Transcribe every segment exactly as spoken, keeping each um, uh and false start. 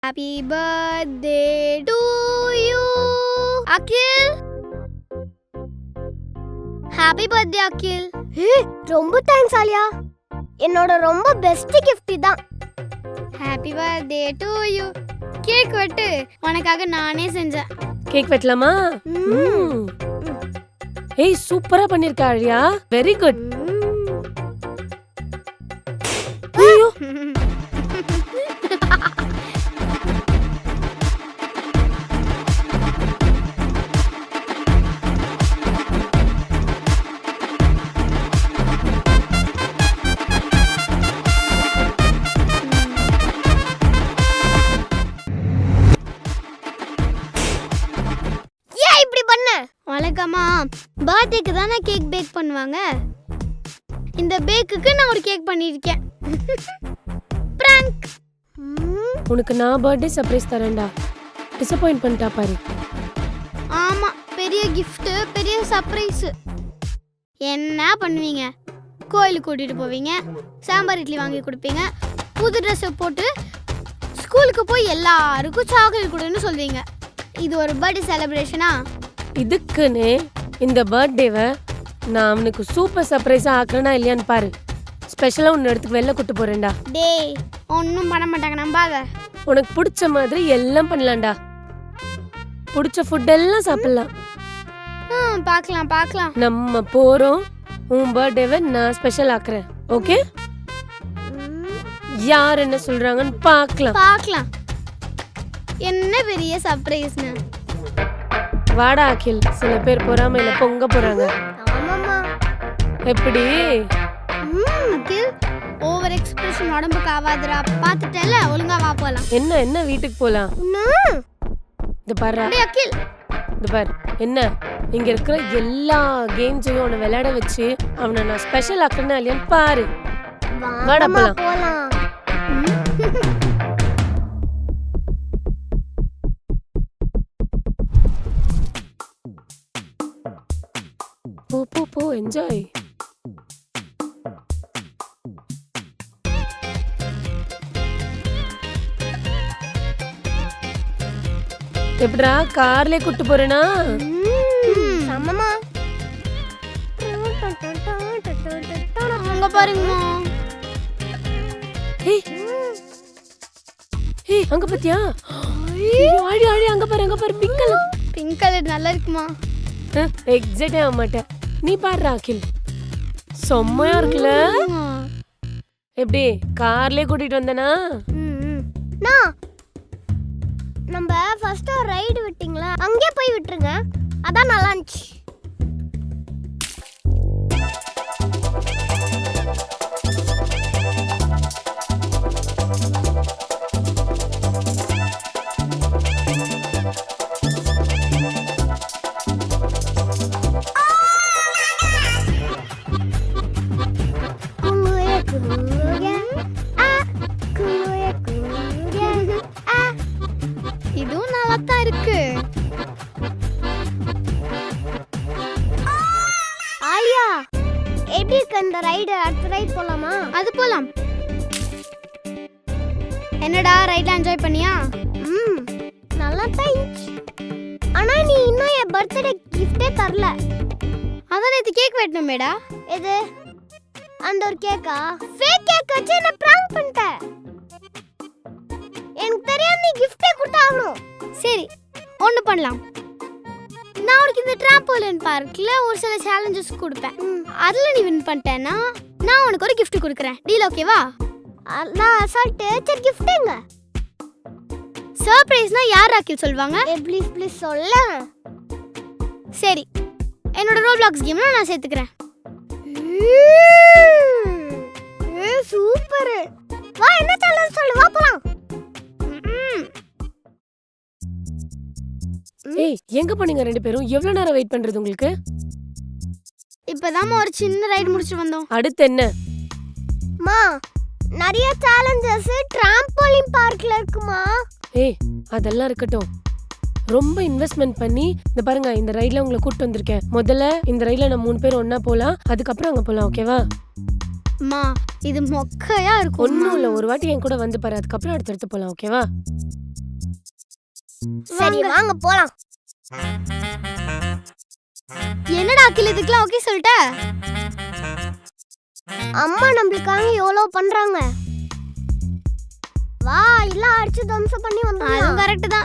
Happy birthday to you, Akhil. Happy birthday, Akhil. Hey, ரொம்ப thanks Aliya. என்னோட ரொம்ப best gift இதான். Happy birthday to you. Cake வெட்டு. உனக்காக நானே செஞ்சேன். கேக் வெட்டலாமா? ம். ஏய் சூப்பரா பண்ணிருக்க ஆலியா. Very good. ஐயோ. வழக்கமா பர்த்டேக்கு தானே கேக் பேக் பண்ணுவாங்க. இந்த பேக்குக்கு நான் ஒரு கேக் பண்ணிருக்கேன். பிராங்க். உனக்கு நான் பர்த்டே சர்ப்ரைஸ் தரேன்டா. டிசப்பாயிண்ட் பண்ணிட்டா பாரு. ஆமா, பெரிய gift, பெரிய சர்ப்ரைஸ். என்ன பண்ணுவீங்க? கோயிலுக்கு கூட்டிட்டு போவீங்க, சாம்பார் இட்லி வாங்கி கொடுப்பீங்க, புது ட்ரெஸ் போட்டு ஸ்கூலுக்கு போய் எல்லாருக்கும் சாக்லேட் கொடுன்னு சொல்வீங்க. இது ஒரு பர்த்டே செலிப்ரேஷனா? இதுக்குன்னு இந்த பர்த்டேவை நான் அவனுக்கு சூப்பர் சர்ப்ரைஸா ஆக்குறேனா இல்லையான்னு பாரு. ஸ்பெஷலா உன்னை இடத்துக்கு வெளில கூட்டு போறேன்டா. டேய், ஒன்றும் பண்ண மாட்டாங்க, நம்பாத. உனக்கு பிடிச்ச மாதிரி எல்லாம் பண்ணலாம்டா. பிடிச்ச ஃபுட் எல்லாம் சாப்பிடலாம். ம், பார்க்கலாம் பார்க்கலாம். நம்ம போறோம். உன் பர்த்டேவை நான் ஸ்பெஷல் ஆக்குறேன். ஓகே? யார் என்ன சொல்றாங்கன்னு பார்க்கலாம். பார்க்கலாம். என்ன பெரிய சர்ப்ரைஸ்னு. வாடா அகில். சில பேர் பொறாமையில பொங்க போறாங்க. ஆமாமா. எப்படி? அகில், ஓவர் எக்ஸ்பிரஷன் உடம்புக்கு ஆவாதுடா. பார்த்துட்டல, ஒழுங்கா வா போலாம். என்ன என்ன வீட்டுக்கு போலாம். இது பாரு. டேய் அகில், இது பாரு. என்ன இங்க இருக்கிற எல்லா கேம்ஸையும் அவனை விளையாட வச்சு அவனை நான் ஸ்பெஷல் ஆக்குறேன்னா இல்லையான்னு பாரு. வாடா போலாம். போலாம். போ போ போ என்ஜாய். எப்படா கார்ல கூட்டு போறேனா? சமமா. அங்க பாருங்க. ஏய் ஏய் அங்க பாத்தியா? ஆடி ஆடி அங்க பாரு அங்க பாரு பிங்க் கலர். பிங்க் கலர் நல்லா இருக்குமா? எக்ஸைட் ஆக மாட்டேன். நீ பாரு அகில். செம்மையா இருக்குல்ல? எப்படி கார்லயே கூட்டிட்டு வந்தனா? நான் நம்ம ஃபர்ஸ்ட் ஒரு ரைடு விட்டீங்களா, அங்கே போய் விட்டுருங்க. அதான் நல்லா இருந்துச்சு. இதுவும் நல்லா தான் இருக்கு. ஆலியா, எப்படி இருக்கு இந்த ரைடு? அடுத்த ரைட் போலாமா? அது போலாம். என்னடா ரைட்ல என்ஜாய் பண்ணியா? ம், நல்லா தான் இருந்துச்சு. ஆனா நீ இன்னும் என் பர்த்டே கிஃப்டே தரல. அதான் நேத்து கேக் வெட்டணுமேடா. எது? அந்த ஒரு கேக்கா? ஃபேக் கேக் வச்சு என்ன பிராங்க் பண்ணிட்ட. எனக்கு தெரியாம நீ கிஃப்டே கொடுத்தாகணும். சரி, ஒன்று பண்ணலாம். நான் உனக்கு இந்த ட்ராம்போலின் பார்க்ல ஒரு சில சேலஞ்சஸ் கொடுப்பேன். அதில் நீ வின் பண்ணிட்டேன்னா நான் உனக்கு ஒரு gift கொடுக்குறேன். டீல் ஓகேவா? நான் அசால்ட் சரி கிஃப்ட் எங்க? சர்ப்ரைஸ்னா யார் அகில் சொல்வாங்க? ஏ ப்ளீஸ் ப்ளீஸ் சொல்ல. சரி, என்னோட ரோப்ளாக்ஸ் கேம்ல நான் சேர்த்துக்கிறேன். ஏ சூப்பர். வா, என்ன சேலஞ்ச் சொல்லு, வா போலாம். ஏய் எங்க போனீங்க ரெண்டு பேரும்? எவ்வளவு நேரம் வெயிட் பண்றது உங்களுக்கு? இப்பதான் ஒரு சின்ன ரைடு முடிச்சிட்டு வந்தோம். அடுத்து என்ன? மா, நிறைய சேலஞ்சஸ் ட்ராம்போலின் பார்க்ல இருக்குமா? ஏய் அதெல்லாம் இருக்கட்டும். ரொம்ப இன்வெஸ்ட்மென்ட் பண்ணி இந்த பாருங்க இந்த ரைட்ல உங்களை கூட்டு வந்திருக்கேன். முதல்ல இந்த ரைட்ல நம்ம மூணு பேர் ஒண்ணா போலாம், அதுக்கப்புறம் அங்க போலாம். ஓகேவா? அம்மா இது மொக்கையா இருக்கும். ஒண்ணும் இல்ல, ஒரு வாட்டி என் கூட வந்து பாரு, அதுக்கப்புறம் அடுத்தடுத்து போலாம். ஓகேவா? சரி வாங்க போலாம். என்னடா அகில் இதுக்கெல்லாம் ஓகே சொல்லிட்ட? அம்மா நம்மளுக்காக எவ்வளோ பண்றாங்க. வா எல்லாம் அடிச்சு தம்சம் பண்ணி அதுவும் வந்தோம். கரெக்ட் தான்.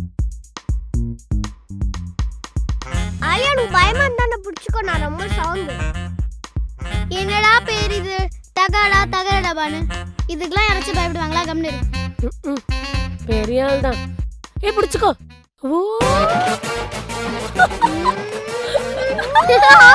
ஐயா எனக்கு பயமா இருந்தா பிடிச்சிக்கோ, நான் ரொம்ப சவுண்டு. என்னடா பேர் இது? தகடா தகடடாபான்னு. இதுக்கெல்லாம் யாராச்சும் பயப்படுவாங்களா? கம்னு இரு. ம்ம். பெரிய ஆள் தான். ஏ பிடிச்சுக்கோ. ஓ ஆ